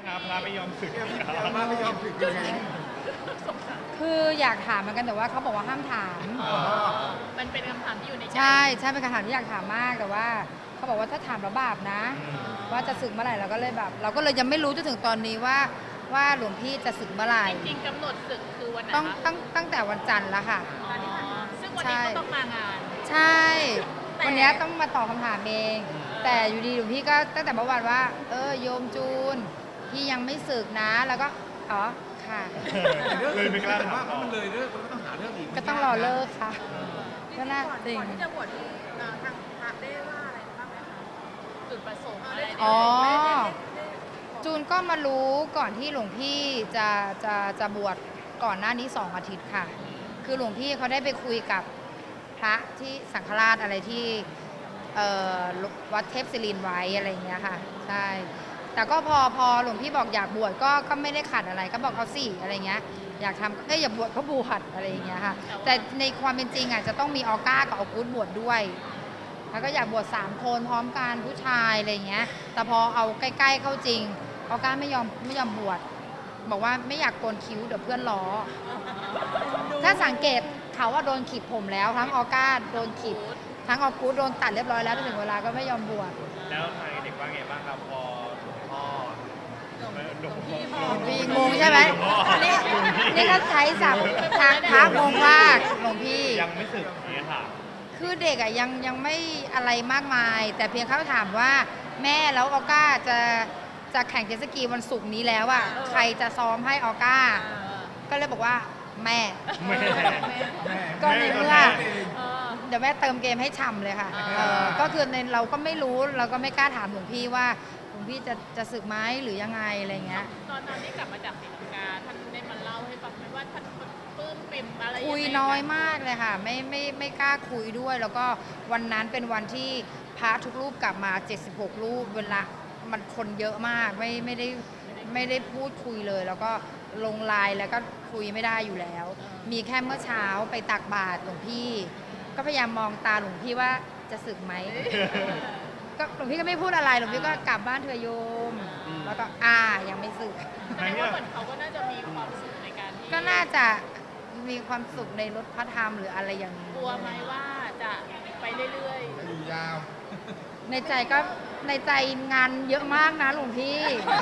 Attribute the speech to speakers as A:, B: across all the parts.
A: พระไม่ยอมสึก
B: มาไม่ยอมสึกยังไง
C: คืออยากถามเหมือนกันแต่ว่าเขาบอกว่าห้ามถาม
D: มันเป็นคำถามที่อยู่ในใจ
C: ใช่ใช่เป็นคำถามที่อยากถามมากแต่ว่าเขาบอกว่าถ้าถามแล้วบาปนะ ว่าจะสึกเมื่อไหร่เราก็เลยแบบเราก็เลยยังไม่รู้จนถึงตอนนี้ว่าหลวงพี่จะสึกเมื่อไหร่
D: จริงๆกำหนดศึกคือวันไหน
C: ตั้งแต่วันจันทร์แล้วค่ะ
D: ซึ่งวันนี้ก็ต้องมางาน
C: ใช่วันนี้ต้องมาตอบคำถามเองแต่อยู่ดีหลวงพี่ก็ตั้งแต่เมื่อวานว่าโยมจูนพี่ยังไม่สึกนะแล้วก็อ๋อค่ะ
A: เลยไม่กล้าถาม
B: ว่ามันเลยเลิกมันก็ต้องหาเรื่องอีก
C: ก็ต้องรอเลิกค่ะก็น่าจริง
E: ก่อนที่จะบวชที่ทางพระได้ว่าอะไรบ้างไหมคะ
D: จุดประสงค์อะไร
C: อ๋อจูนก็มารู้ก่อนที่หลวงพี่จะบวชก่อนหน้านี้2 อาทิตย์ค่ะคือหลวงพี่เขาได้ไปคุยกับพระที่สังฆราชอะไรที่วัดเทพศิรินทร์ไว้อะไรอย่างเงี้ยค่ะใช่แต่ก็พอหลวงพี่บอกอยากบวชก็ไม่ได้ขัดอะไรก็บอกเขาสิอะไรเงี้ยอยากทำอยากบวชก็บวชอะไรอย่างเงี้ยค่ะแต่ในความเป็นจริงอ่ะจะต้องมีออก้ากับออกูดบวชด้วยแล้วก็อยากบวช3 คนพร้อมกันผู้ชายอะไรเงี้ยแต่พอเอาใกล้ๆเข้าจริงออก้าไม่ยอมบวชบอกว่าไม่อยากโกนคิ้วเดี๋ยวเพื่อนล้อถ้าสังเกตเขาว่าโดนขีดผมแล้วทั้งออก้าโดนขีดทั้งออกูดโดนตัดเรียบร้อยแล้วถึงเวลาก็ไม่ยอมบวช
A: แล้วทางเด็กว่าไงบ้างครับพอหลวงพ่อ
C: พี่งงใช่ไหมนี่ก็ใช้ศัพท์ทางพระงงมากหลวงพี่
A: ยังไม่สึกอย่างนี้ค่ะ
C: คือเด็กอ่ะยังไม่อะไรมากมาย แต่เพียงเขาถามว่าแม่แล้วออก้าจะแข่งเจ็ตสกีวันศุกร์นี้แล้วอ่ะใครจะซ้อมให้ออก้า ก็เลยบอกว่าแม่ ก็ในเมื่อเดี๋ยวแม่เติมเกมให้ฉ่ำเลยค่ะก็คือในเราก็ไม่รู้เราก็ไม่กล้าถามหลวงพี่ว่าหลวงพี่จะสึกไหมหรือยังไงอะไรเงี้ย
D: ตอนที่กลับมาจากศรีลังกาท่านได้มาเล่าให้ฟังไหมว่าท่านปลื้มปิ่มอะไร
C: คุยน้อยมากเลยค่ะไม่กล้าคุยด้วย แล้วก็วันนั้นเป็นวันที่พระทุกรูปกลับมา76 รูปเวลามันคนเยอะมากไม่ได้พูดคุยเลย แล้วก็ลงไลน์แล้วก็คุยไม่ได้อยู่แล้ว มีแค่เมื่อเช้าไปตักบาตรหลวงพี่ก็พยายามมองตาหลวงพี่ว่าจะสึกไหมก็หลวงพี่ก็ไม่พูดอะไรหลวงพี่ก็กลับบ้านเธอโยมแล้วก็ยังไม่สึก
D: แสดงว่าเหมือนเขาก็น่าจะมีความสุขในการที่
C: ก็น่าจะมีความสุขในรถพระธรรมหรืออะไรอย่างนี้
D: กลัวไหมว่าจะไปเรื่อยๆ
B: อยู่ยาว
C: ในใจงานเยอะมากนะหลวงพี่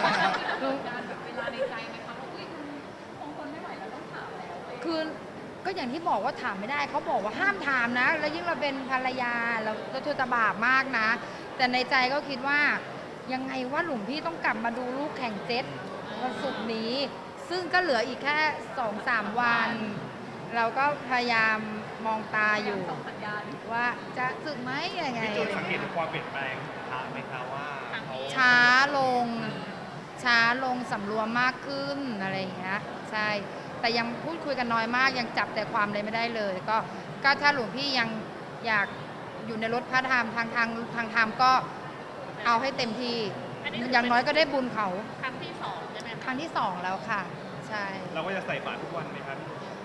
C: คือก็อย่างที่บอกว่าถามไม่ได้เขาบอกว่าห้ามถามนะแล้วยิ่งเราเป็นภรรยาแล้วเธอจะบาปมากนะแต่ในใจก็คิดว่ายังไงว่าหลวงพี่ต้องกลับมาดูลูกแข่งเจ็ตวันศุกร์นี้ซึ่งก็เหลืออีกแค่ 2-3 วันเราก็พยายามมองตาอยู่ว่าจะสึกไหมยังไง
A: พี่จูนสังเกตถึงความเปลี่ยนแปลงทางไหมคะว่าเขา
C: ช้าลงสำรวมมากขึ้นอะไรอย่างเงี้ยใช่แต่ยังพูดคุยกันน้อยมากยังจับแต่ความเลยไม่ได้เลยก็ถ้าหลวงพี่ยังอยากอยู่ในรถพระธรรมทางธรรมก็เอาให้เต็มที่อย่างน้อยก็ได้บุญเขา
D: ครั้งที่2ใช่ไหม
C: ครั้งที่2แล้วค่ะใช่
A: เราก็จะใส่บาตรทุกวันไหมครับ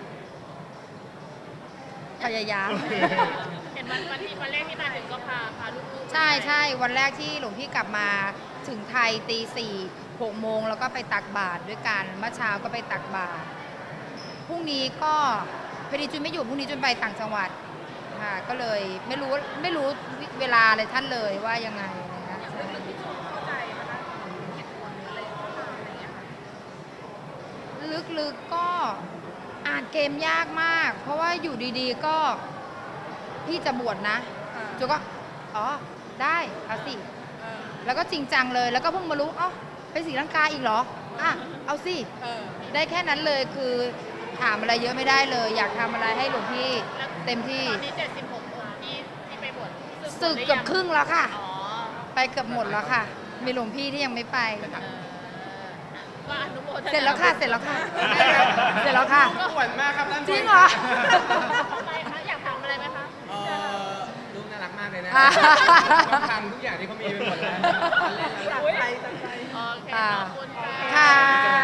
C: พยายาม
D: เห็นวันที่วันแรกที่มาถึงก็พาลูกๆ
C: ใช่วันแรกที่หลวงพี่กลับมาถึงไทยตี 4-6 โมงแล้วก็ไปตักบาตรด้วยกันเมื่อเช้าก็ไปตักบาตรพรุ่งนี้ก็พอดีจุนไม่อยู่พรุ่งนี้จุนไปต่างจังหวัดค่ะก็เลยไม่รู้เวลาเลยท่านเลยว่ายังไงนะคะลึกๆก็อ่านเกมยากมากเพราะว่าอยู่ดีๆก็พี่จะบวชนะจุก็ได้เอาสิแล้วก็จริงจังเลยแล้วก็เพิ่งมารู้ไปศรีลังกาอีกเหรอเอาสิได้แค่นั้นเลยคือถามอะไรเยอะไม่ได้เลยอยากทำอะไรให้หลวงพี่เต็มที่
D: ตอนนี้76 องค์ที่ไปบวช
C: สึกเกือบครึ่งแล้วค่ะไปเกือบหมดแล้วค่ะมีหลวงพี่ที่ยังไม่ไป
D: ก็อนุโมทนา
C: เสร็จแล้วค่ะเสร็จแล้วค่ะ
B: ก็หวานมากครับท่าน
C: จริงเหรอ
D: อะไรคะอยากถามอะไรไหมคะ
B: ลูกน่ารักมากเลยนะต้องทำทุกอย่างที่เขามีไปหมดแล้วเล่นแล้ว
D: โอเคขอบคุณค่ะ
C: ค่ะ